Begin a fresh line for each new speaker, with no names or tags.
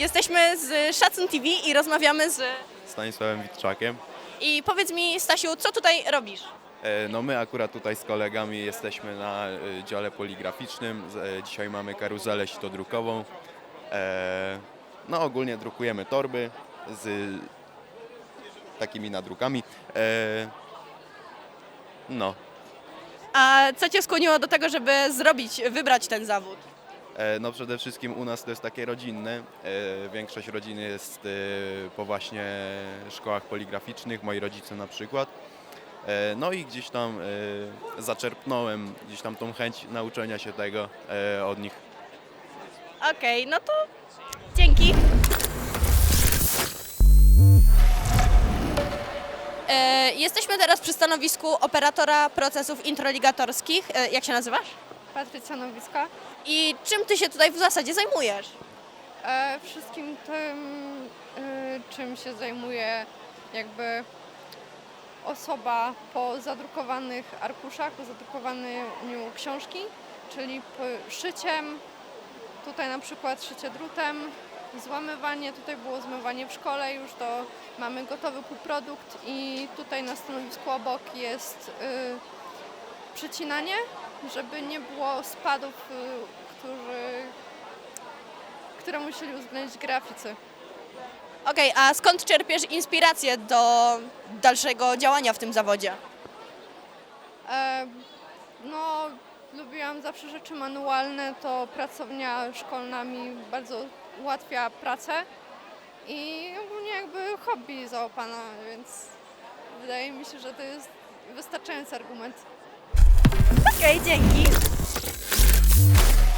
Jesteśmy z Szacun TV i rozmawiamy z...
Stanisławem Witczakiem.
I powiedz mi, Stasiu, co tutaj robisz?
No my akurat tutaj z kolegami jesteśmy na dziale poligraficznym. Dzisiaj mamy karuzelę sitodrukową. No ogólnie drukujemy torby z takimi nadrukami. No.
A co Cię skłoniło do tego, żeby wybrać ten zawód?
No przede wszystkim u nas to jest takie rodzinne. Większość rodziny jest po właśnie szkołach poligraficznych, moi rodzice na przykład. No i gdzieś tam zaczerpnąłem gdzieś tam tą chęć nauczenia się tego od nich.
Okej, no to dzięki. Jesteśmy teraz przy stanowisku operatora procesów introligatorskich. Jak się nazywasz?
Patrycja Nowicka.
I czym Ty się tutaj w zasadzie zajmujesz?
Wszystkim tym, czym się zajmuje jakby osoba po zadrukowanych arkuszach, po zadrukowaniu książki, czyli szyciem, tutaj na przykład szycie drutem, złamywanie, tutaj było zmywanie w szkole, już to mamy gotowy półprodukt i tutaj na stanowisku obok jest przycinanie, żeby nie było spadów, które musieli uwzględnić graficy.
Okej, a skąd czerpiesz inspirację do dalszego działania w tym zawodzie?
No, lubiłam zawsze rzeczy manualne, to pracownia szkolna mi bardzo ułatwia pracę i ogólnie jakby hobby załapana, więc wydaje mi się, że to jest wystarczający argument.
Okej, dzięki.